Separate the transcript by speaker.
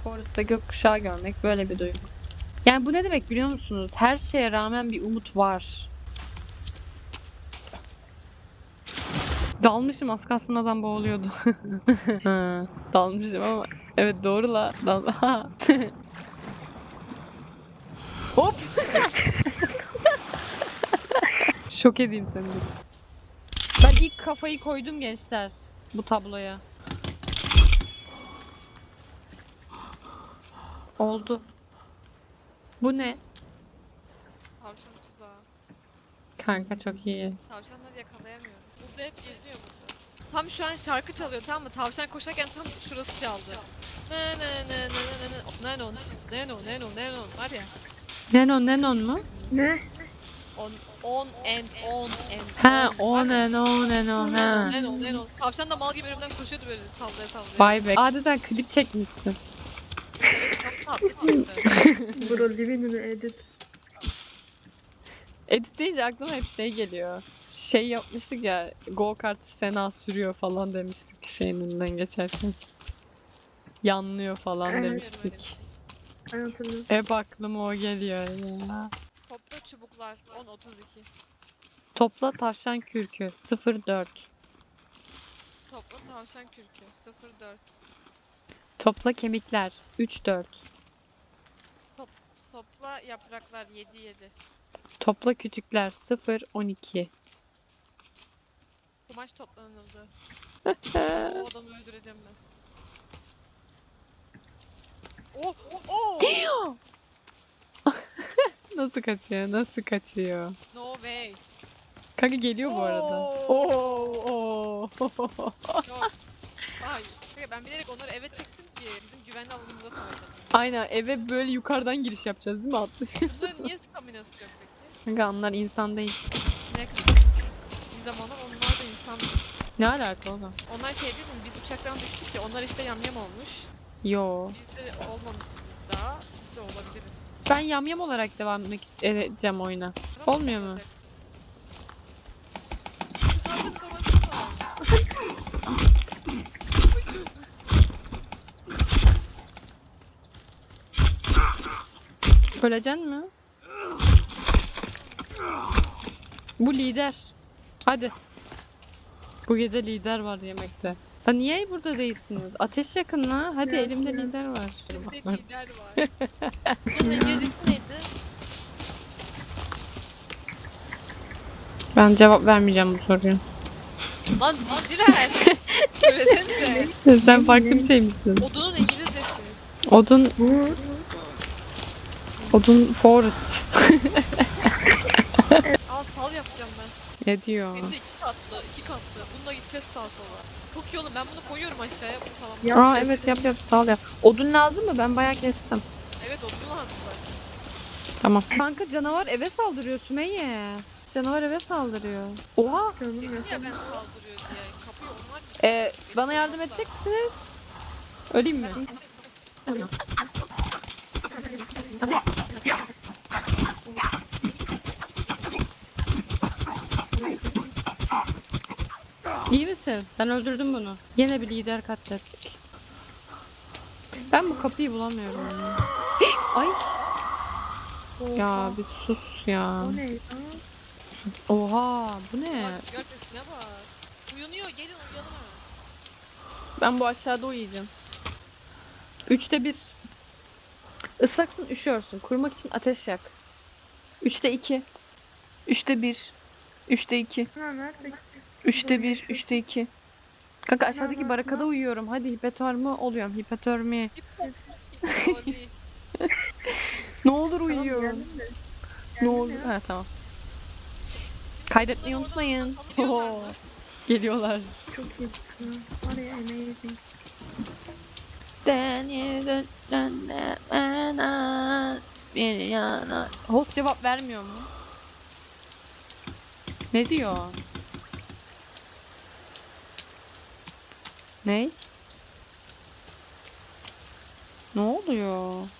Speaker 1: Forest'ta gökkuşağı görmek böyle bir duygu. Yani bu ne demek biliyor musunuz? Her şeye rağmen bir umut var. Dalmışım, az kalsın adam boğuluyordu. Ha, dalmışım ama evet doğru la. Hop! Şok edeyim seni dedim. Ben ilk kafayı koydum gençler bu tabloya. Oldu. Bu ne?
Speaker 2: Tavşan tuzağı.
Speaker 1: Kanka çok iyi.
Speaker 2: Tavşanları yakalayamıyorum. Burada hep geziyor burada. Tam şu an şarkı çalıyor, tamam mı? Tavşan koşarken tam şurası çaldı. Ne ne ne ne ne ne Nenon Nenon Nenon Nenon var ya.
Speaker 1: Nenon mu?
Speaker 3: Ne?
Speaker 2: On and
Speaker 1: Ha,
Speaker 2: on.
Speaker 1: Nenon.
Speaker 2: Nenon
Speaker 1: Ha.
Speaker 2: Nenon. Tavşan da mal gibi önümden koşuyordu böyle sallaya sallaya.
Speaker 1: Vay be. Adeta klip çekmişsin.
Speaker 2: Evet, çok tatlı çıktı.
Speaker 3: Bro living in edit.
Speaker 1: Edit deyince aklıma hep şey geliyor. Şey yapmıştık ya, go kart Sena sürüyor falan demiştik şeyin önünden geçerken. Yanlıyor falan
Speaker 3: Evet.
Speaker 1: demiştik.
Speaker 3: Ben hatırlıyorum.
Speaker 1: Hep aklıma o geliyor ya.
Speaker 2: Topla çubuklar 10-32.
Speaker 1: Topla tavşan kürkü 04.
Speaker 2: Topla tavşan kürkü 04.
Speaker 1: Topla kemikler 34.
Speaker 2: Topla yapraklar 7-7.
Speaker 1: Topla kütükler 012.
Speaker 2: Kumaş toplanıldı. O adamı öldüreceğim ben. Oh! Oh!
Speaker 1: Nasıl kaçıyor? Nasıl kaçıyor?
Speaker 2: No way.
Speaker 1: Kanka geliyor bu arada. Oo.
Speaker 2: Yok. Hayır. Peki ben bilerek onları eve çektim ki bizim güvenli alanımıza savaşalım.
Speaker 1: Aynen, eve böyle yukarıdan giriş yapacağız değil mi Atlı?
Speaker 2: Bunların niye staminası yok peki?
Speaker 1: Kanka onlar insan değil.
Speaker 2: Ne kadar? Bir zamanlar onlar da insan.
Speaker 1: Ne alaka oğlum?
Speaker 2: Onlar şey değil mi? Biz uçaktan düştük ya, onlar işte yamyam olmuş.
Speaker 1: Yo.
Speaker 2: Biz de olmamışız biz daha. Biz de olabiliriz.
Speaker 1: Ben yamyam olarak devam edeceğim oyuna.
Speaker 2: Tamam,
Speaker 1: Olmuyor mu?
Speaker 2: olacak. Zaten kafası var.
Speaker 1: Öleceksin mi? Bu lider. Hadi. Bu gece lider var yemekte. Da niye burada değilsiniz? Ateş yakın la. Hadi
Speaker 3: Ya,
Speaker 1: elimde
Speaker 3: ya.
Speaker 1: lider var.
Speaker 2: Bir de lider var. Bunun İngilizcesi neydi?
Speaker 1: Ben cevap vermeyeceğim bu soruya.
Speaker 2: Lan dilciler! Söylesenize.
Speaker 1: Sen farklı bir şey misin?
Speaker 2: Odunun İngilizcesi.
Speaker 1: Odun,
Speaker 3: Bu
Speaker 1: odun forest.
Speaker 2: Al sal yapacağım ben.
Speaker 1: Ne diyor?
Speaker 2: Hem de iki katlı. Bununla gideceğiz sağa sola. Çok iyi oğlum, ben bunu koyuyorum aşağıya. Bu tamam.
Speaker 3: Yap.
Speaker 1: Aa evet yap sağ yap. Odun lazım mı? Ben bayağı kestim.
Speaker 2: Evet, odun lazım zaten.
Speaker 1: Tamam. Kanka canavar eve saldırıyor Sümeyye. Canavar eve saldırıyor. Oha.
Speaker 3: canım
Speaker 2: Dedim
Speaker 3: ya.
Speaker 2: ya ben saldırıyor diye. Kapıyı onlar
Speaker 1: Bana yardım edecek misiniz? Öleyim mi? İyi misin? Ben öldürdüm bunu. Yine bir lider katlettik. Ben bu kapıyı bulamıyorum. Ya. Ay. Ya bir sus ya.
Speaker 3: O ne ya?
Speaker 1: Oha bu ne?
Speaker 2: Bak rüzgar sesine bak. Uyanıyor, gelin uyanın.
Speaker 1: Ben bu aşağıda uyuyacağım. 3'te 1. Islaksın üşüyorsun. Kurumak için ateş yak. 3'te 2. 3'te 1. 3'te 2.
Speaker 3: Ha nerede?
Speaker 1: 3'te 1. 3'te 2. Kanka aşağıdaki
Speaker 3: Tamam,
Speaker 1: barakada
Speaker 3: tamam.
Speaker 1: uyuyorum. Hadi hipotermi oluyorum. Hipotermi.
Speaker 2: Hipotermi.
Speaker 1: Ne olur
Speaker 3: Tamam,
Speaker 1: uyuyorum.
Speaker 3: geldim de.
Speaker 1: Ne
Speaker 3: Geldim
Speaker 1: olur.
Speaker 3: ya.
Speaker 1: Ha tamam. Kaydetmeyi
Speaker 2: Bunlar
Speaker 1: unutmayın.
Speaker 2: oradan
Speaker 1: Oo,
Speaker 2: tanıyorlar mı?
Speaker 1: geliyorlar.
Speaker 3: Çok iyi. Var ya amazing.
Speaker 1: Bir yana. Host cevap vermiyor mu? Ne diyor? Ne? Ne oluyor?